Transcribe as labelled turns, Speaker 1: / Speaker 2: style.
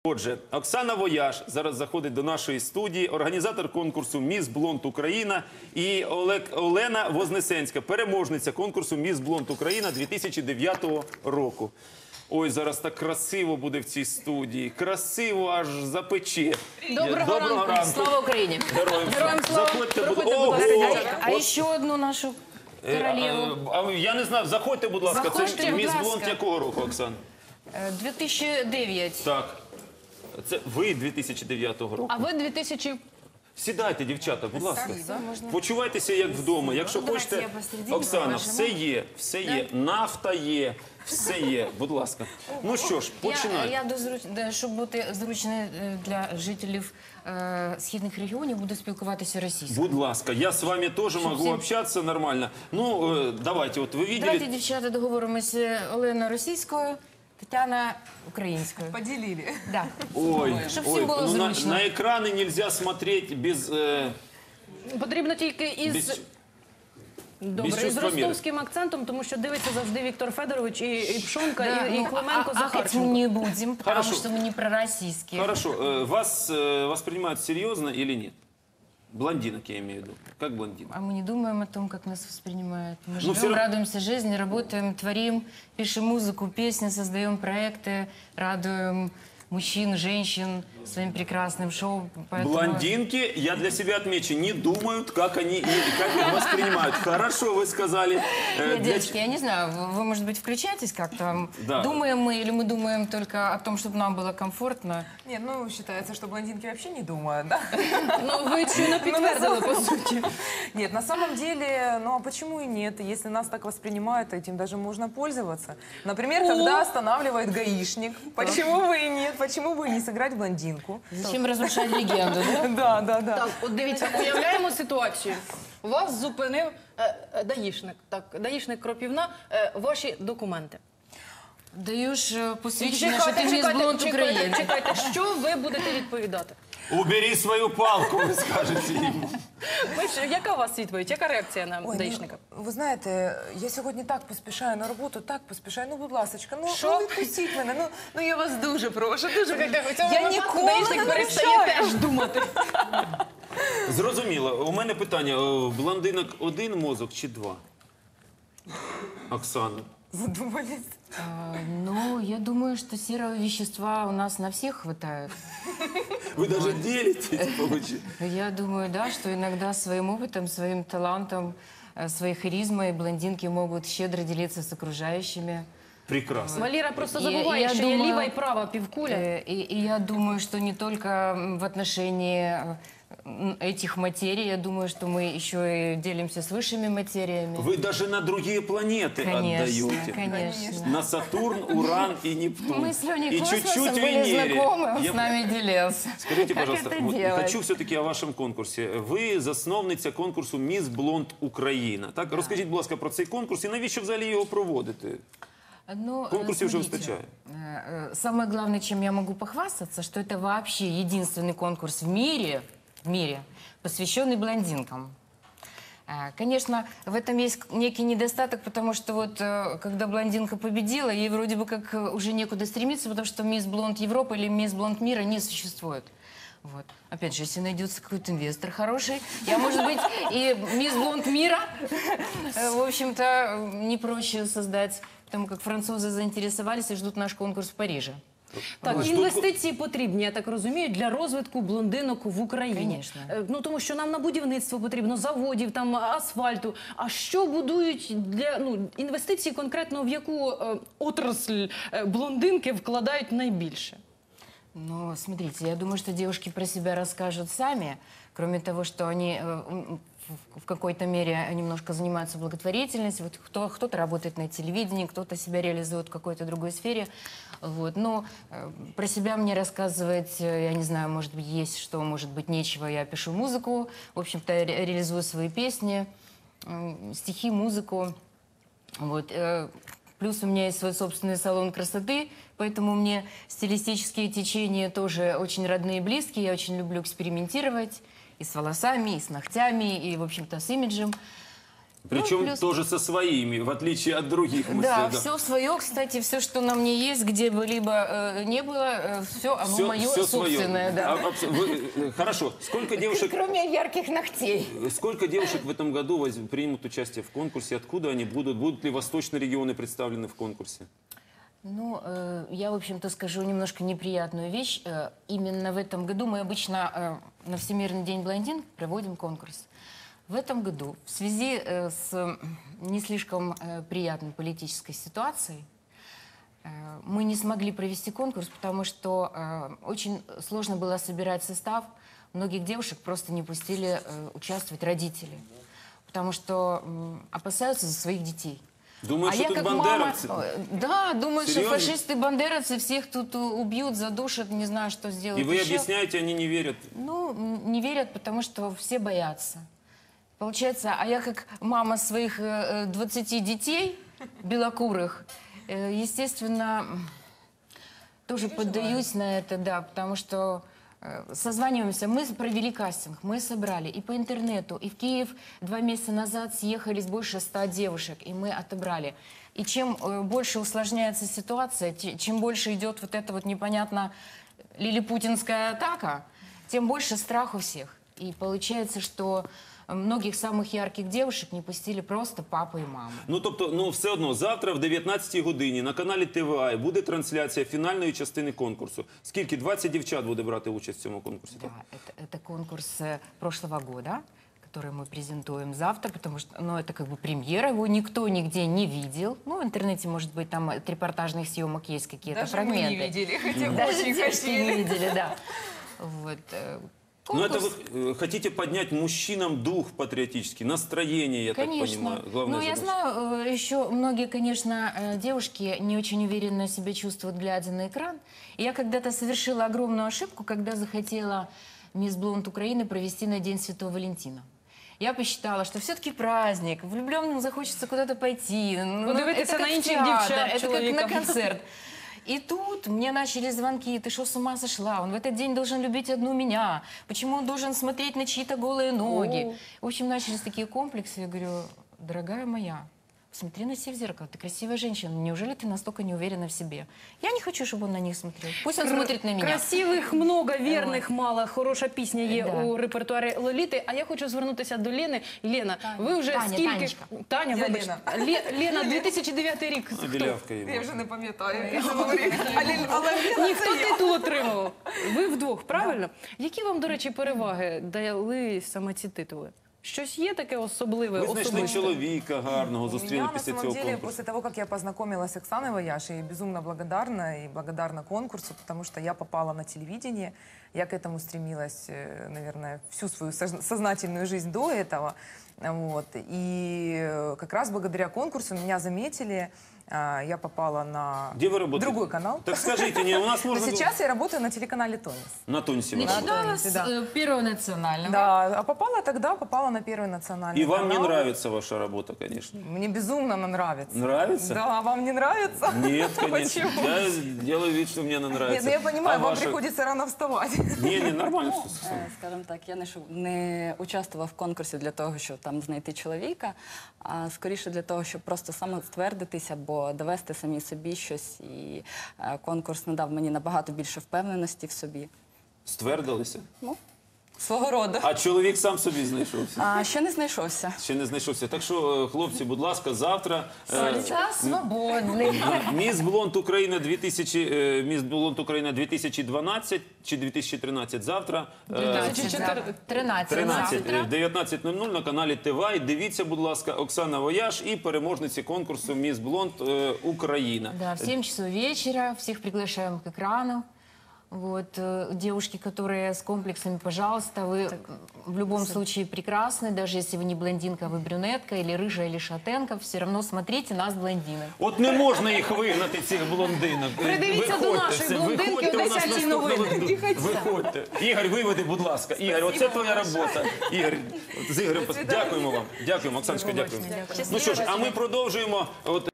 Speaker 1: Отже, Оксана Вояж зараз заходить до нашої студії, організатор конкурсу «Міс Блонд Україна» і Олена Вознесенська, переможниця конкурсу «Міс Блонд Україна» 2009 року. Ой, зараз так красиво буде в цій студії, красиво аж запече.
Speaker 2: Доброго ранку. Слава Україні.
Speaker 1: Героям слава. Заходьте,
Speaker 2: Ого! А ще одну нашу королеву.
Speaker 1: Я не знав, заходьте, будь ласка.
Speaker 2: Заходьте,
Speaker 1: Це
Speaker 2: будь
Speaker 1: «Міс
Speaker 2: ласка.
Speaker 1: Блонд» якого року, Оксан?
Speaker 2: 2009.
Speaker 1: Так. Це ви 2009 року.
Speaker 3: А ви 2000...
Speaker 1: Сідайте, дівчата, будь ласка. Почувайтеся як вдома. Якщо хочете,
Speaker 2: я посередині
Speaker 1: Оксана,
Speaker 2: положу.
Speaker 1: все є, нафта є, все є. Будь ласка. Ну що ж, починайте.
Speaker 2: Щоб бути зручною для жителів східних регіонів, буду спілкуватися російською.
Speaker 1: Будь ласка, я з вами теж можу общатися нормально. Ну, давайте, от ви
Speaker 2: Давайте,
Speaker 1: видели...
Speaker 2: дівчата, договоримося. Олена російською, Тетяна українською.
Speaker 4: Поделили.
Speaker 2: Да.
Speaker 1: Ой,
Speaker 2: Щоб всім було
Speaker 1: ну,
Speaker 2: зручно.
Speaker 1: на екрани нельзя смотреть без...
Speaker 3: Потрібно тільки із... Добре,
Speaker 1: без
Speaker 3: із
Speaker 1: чувства міри.
Speaker 3: ростовським акцентом, тому що дивиться завжди Віктор Федорович і Пшонка, і Клименко,
Speaker 2: Опять мы
Speaker 3: Захарченко.
Speaker 2: не будем, потому
Speaker 1: Хорошо.
Speaker 2: что мы не пророссийские.
Speaker 1: Хорошо, вас воспринимают серьезно или нет? Блондинок я имею в виду. Как блондинок?
Speaker 2: А мы не думаем о том, как нас воспринимают. Мы живем,
Speaker 1: всё равно-
Speaker 2: радуемся жизни, работаем, творим, пишем музыку, песни, создаем проекты, радуем мужчин, женщин своим прекрасным шоу. Поэтому...
Speaker 1: Блондинки, я для себя отмечу, не думают, как они как их воспринимают. Хорошо, вы сказали.
Speaker 2: Нет, девочки, я не знаю, вы, может быть, включаетесь как-то?
Speaker 1: Да.
Speaker 2: Думаем мы или мы думаем только о том, чтобы нам было комфортно?
Speaker 4: Нет, ну считается, что блондинки вообще не думают, да?
Speaker 3: Ну, ви чуно підтвердили, по суті.
Speaker 4: Нет, на самом деле, ну а почему и нет? Если нас так воспринимают, то этим даже можно пользоваться. Например, когда останавливает гаишник. Почему бы и нет? Почему бы и не сыграть блондинку?
Speaker 2: Зачем разрушать легенду, да?
Speaker 4: Да, да, да.
Speaker 3: Так, от дивіться, уявляємо ситуацію. Вас зупинив даїшник, так, даїшник Кропівна, ваші документи.
Speaker 2: Даешь посвящение, что ты мисс Блонд Украины.
Speaker 3: чекайте, що ви будете відповідати?
Speaker 1: Убери свою палку, ви скажете йому.
Speaker 3: Яка у вас відповідь, яка реакція на
Speaker 4: Ой,
Speaker 3: даїшника?
Speaker 4: ну, ви знаєте, я сьогодні так поспішаю на роботу, так поспішаю. Ну, будь ласочка,
Speaker 3: Що?
Speaker 4: ну відпустіть мене. Ну я вас дуже прошу, дуже прошу.
Speaker 3: У цьому
Speaker 4: Я
Speaker 3: випадку
Speaker 4: ніколи
Speaker 3: даїшник
Speaker 4: не
Speaker 3: перестає
Speaker 4: нарушаю.
Speaker 3: теж думати.
Speaker 1: Зрозуміло. У мене питання. Блондинок один мозок чи два? Оксана.
Speaker 4: Задумались.
Speaker 2: Ну, я думаю, что серого вещества у нас на всех хватает.
Speaker 1: Ви навіть ділитесь, виходить.
Speaker 2: Я думаю, да, что иногда своим опытом, своим талантом, своей харизмой блондинки могут щедро делиться с окружающими.
Speaker 1: Прекрасно.
Speaker 3: Валера просто
Speaker 2: І
Speaker 3: забуває,
Speaker 2: я
Speaker 3: що
Speaker 2: думаю,
Speaker 3: є ліва і права півкуля.
Speaker 2: И я думаю, что не только в отношении этих материй, я думаю, что мы еще и делимся с высшими материями.
Speaker 1: Вы даже на другие планеты
Speaker 2: Конечно,
Speaker 1: отдаете.
Speaker 2: конечно.
Speaker 1: На Сатурн, Уран и Нептун.
Speaker 2: Мы с Леней
Speaker 1: И
Speaker 2: Космосом
Speaker 1: чуть-чуть
Speaker 2: были
Speaker 1: Венере.
Speaker 2: знакомы, он
Speaker 1: Я-
Speaker 2: с нами делился.
Speaker 1: Скажите,
Speaker 2: Как
Speaker 1: пожалуйста,
Speaker 2: это
Speaker 1: вот
Speaker 2: делать?
Speaker 1: хочу все-таки о вашому конкурсі. Ви засновниця конкурсу «Міс Блонд Україна». Так? Розкажіть, будь ласка, про цей конкурс і навіщо взагалі його проводити?
Speaker 2: Ну,
Speaker 1: Конкурсів уже
Speaker 2: смотрите,
Speaker 1: выстачает.
Speaker 2: Самое главное, чем я могу похвастаться, что это вообще единственный конкурс в мире, посвященный блондинкам. Конечно, в этом есть некий недостаток, потому что вот когда блондинка победила, ей вроде бы как уже некуда стремиться, потому что мисс Блонд Европы или мисс Блонд мира не существует. Вот. Опять же, если найдется какой-то инвестор хороший, я, может быть, и мисс Блонд мира, в общем-то, не проще создать, потому как французы заинтересовались и ждут наш конкурс в Париже.
Speaker 3: Так, інвестиції потрібні, я так розумію, для розвитку блондинок в Україні.
Speaker 2: Конечно.
Speaker 3: Ну, тому що нам на будівництво потрібно, заводів, там, асфальту. А що будують для, інвестиції конкретно в яку отрасль блондинки вкладають найбільше?
Speaker 2: Ну, смотрите, я думаю, что девушки про себя расскажут сами, кроме того, что они в какой-то мере немножко занимаются благотворительностью. Вот кто-то работает на телевидении, кто-то себя реализует в какой-то другой сфере. Вот. Но про себя мне рассказывать, я не знаю, может быть, есть что, может быть, нечего. Я пишу музыку, в общем-то, реализую свои песни, стихи, музыку. Вот. Плюс у меня есть свой собственный салон красоты, поэтому мне стилистические течения тоже очень родные и близкие. Я очень люблю экспериментировать и с волосами, и с ногтями, и, в общем-то, с имиджем.
Speaker 1: Причем
Speaker 2: плюс-
Speaker 1: тоже со своими, в отличие от других. Мы
Speaker 2: Да,
Speaker 1: всегда-
Speaker 2: все свое, кстати, все, что на мне есть, где бы либо не было, все оно мое
Speaker 1: всё
Speaker 2: собственное, да.
Speaker 1: Хорошо. Сколько девушек,
Speaker 2: Кроме ярких ногтей.
Speaker 1: сколько девушек в этом году примут участие в конкурсе? Откуда они будут? Будут ли восточные регионы представлены в конкурсе?
Speaker 2: Ну, я, в общем-то, скажу немножко неприятную вещь. Именно в этом году мы обычно на Всемирный день блондин проводим конкурс. В этом году в связи с не слишком приятной политической ситуацией мы не смогли провести конкурс, потому что очень сложно было собирать состав. Многих девушек просто не пустили участвовать родители, потому что опасаются за своих детей.
Speaker 1: Думаю, что
Speaker 2: я
Speaker 1: тут
Speaker 2: как
Speaker 1: бандеровцы.
Speaker 2: мама, да, думаю, что
Speaker 1: Серьезно?
Speaker 2: фашисты, бандеровцы всех тут убьют, задушат, не знаю, что сделают.
Speaker 1: И вы
Speaker 2: еще.
Speaker 1: объясняете, они не верят.
Speaker 2: Ну, не верят, потому что все боятся. Получается, а я как мама своих 20 детей белокурых, естественно, тоже поддаюсь на это, да, потому что созваниваемся, мы провели кастинг, мы собрали и по интернету, и в Киев 2 месяца назад съехались больше 100 девушек, и мы отобрали. И чем больше усложняется ситуация, чем больше идет вот эта вот непонятно лилипутинская атака, тем больше страх у всех. И получается, что многих самых ярких девушек не пустили просто папа и мама.
Speaker 1: Ну, тобто, ну, все одно, завтра в 19-й годині на каналі ТВА буде трансляція фінальної частини конкурсу. Скільки? 20 дівчат буде брати участь в цьому конкурсі?
Speaker 2: Да, это конкурс прошлого года, который мы презентуем завтра, потому что, ну, это как бы премьера, его никто нигде не видел. Ну, в интернете, может быть, там от репортажных съемок есть какие-то
Speaker 4: Даже
Speaker 2: фрагменты.
Speaker 4: мы не видели, хотя бы
Speaker 2: Даже
Speaker 4: очень
Speaker 2: девушки не
Speaker 4: хотели.
Speaker 2: видели, да. Вот.
Speaker 1: Ну, это
Speaker 2: Конкурс,
Speaker 1: вы хотите поднять мужчинам дух патриотический, настроение, я так
Speaker 2: конечно.
Speaker 1: понимаю. Главная
Speaker 2: Ну, я
Speaker 1: задача.
Speaker 2: знаю, еще многие, конечно, девушки не очень уверенно себя чувствуют, глядя на экран. И я когда-то совершила огромную ошибку, когда захотела Мисс Блонд Украины провести на День Святого Валентина. Я посчитала, что все-таки праздник, влюбленным захочется куда-то пойти. Ну,
Speaker 3: Подивитися
Speaker 2: это
Speaker 3: на
Speaker 2: как в
Speaker 3: інших
Speaker 2: театр,
Speaker 3: дівчат,
Speaker 2: это как
Speaker 3: чоловікам.
Speaker 2: на концерт. И тут мне начали звонки, ты что, с ума сошла? Он в этот день должен любить одну меня. Почему он должен смотреть на чьи-то голые ноги? В общем, начались такие комплексы. Я говорю, дорогая моя, посмотри на себя в зеркало, ты красивая женщина, неужели ты настолько не уверена в себе? Я не хочу, чтобы он на них смотрел. Пусть он смотрит на меня.
Speaker 3: Красивих много, вірних мало. Хороша пісня є
Speaker 2: Да.
Speaker 3: у репертуарі Лоліти. А я хочу звернутися до Лени. Лена, ви вже
Speaker 2: Таня,
Speaker 3: скільки...
Speaker 2: Танечка.
Speaker 3: Таня,
Speaker 4: Я
Speaker 3: вибач. Лена, 2009 рік.
Speaker 1: Ну,
Speaker 3: Хто?
Speaker 1: білявка його.
Speaker 4: Я вже не пам'ятаю, як це говорить.
Speaker 3: Ніхто титул отримував. Ви вдвох, правильно? Які вам, до речі, переваги дали саме ці титули? Щось є таке особливе,
Speaker 1: Ви знайшли
Speaker 3: особисте?
Speaker 1: чоловіка гарного,
Speaker 4: У
Speaker 1: зустріли
Speaker 4: меня, на
Speaker 1: після
Speaker 4: самом
Speaker 1: цього
Speaker 4: деле,
Speaker 1: конкурсу.
Speaker 4: после того, как я познакомилась с Оксаной Вояж, и безумно благодарна, и благодарна конкурсу, потому что я попала на телевидение, я к этому стремилась, наверное, всю свою сознательную жизнь до этого. Вот. И как раз благодаря конкурсу меня заметили, я попала на
Speaker 1: Где вы работаете?
Speaker 4: другой канал.
Speaker 1: Так скажите, не, у нас
Speaker 4: Но
Speaker 1: можно...
Speaker 4: сейчас я работаю на телеканале «Тонис».
Speaker 1: На Тонсе. вы
Speaker 2: Начинала
Speaker 1: работаете.
Speaker 2: с
Speaker 4: Да.
Speaker 2: Первого национального.
Speaker 4: Да, а попала на Первый национальный
Speaker 1: И вам не
Speaker 4: канал.
Speaker 1: нравится ваша работа, конечно.
Speaker 4: Мне безумно она нравится.
Speaker 1: Нравится?
Speaker 4: Да, а вам не нравится?
Speaker 1: Нет, конечно.
Speaker 4: Почему?
Speaker 1: Я делаю вид, что мне она
Speaker 4: Нет,
Speaker 1: нравится.
Speaker 4: ну я понимаю,
Speaker 1: А
Speaker 4: вам
Speaker 1: ваша-
Speaker 4: приходится рано вставать.
Speaker 1: Не, нормально все.
Speaker 5: Скажімо так, я не участвувала в конкурсі для того, щоб там знайти чоловіка, а скоріше для того, щоб просто самоствердитися або довести самі собі щось. І конкурс надав мені набагато більше впевненості в собі.
Speaker 1: Ствердилися.
Speaker 5: Ну, свого роду.
Speaker 1: А чоловік сам собі знайшовся.
Speaker 5: А ще не знайшовся.
Speaker 1: Ще не знайшовся. Так що, хлопці, будь ласка, завтра
Speaker 2: Лица свободный.
Speaker 1: Міс Блонд Україна 2012 чи 2013 завтра.
Speaker 2: 13
Speaker 1: 13,
Speaker 2: завтра.
Speaker 1: в 19:00 на каналі ТВА. І дивіться, будь ласка, Оксана Вояж і переможниці конкурсу Міс Блонд Україна.
Speaker 2: Да, в 7 часов вечера всех приглашаем к экрану. Вот, девушки, которые с комплексами, пожалуйста, вы в любом случае прекрасны, даже если вы не блондинка, вы брюнетка, или рыжая, или шатенка, все равно смотрите нас, блондинок.
Speaker 1: От не можна їх вигнати, цих блондинок.
Speaker 3: Придивіться до нашої
Speaker 1: все,
Speaker 3: блондинки
Speaker 1: виходьте
Speaker 3: о
Speaker 1: у нас
Speaker 3: 10-й
Speaker 1: наступного
Speaker 3: новині.
Speaker 1: року. Виходьте. Ігор, виведи, будь ласка. Ігор, оце твоя робота. Ігор, з Ігорем, дякуємо вам. Дякуємо, Оксаночка, дякуємо. Ну що ж, а ми продовжуємо. От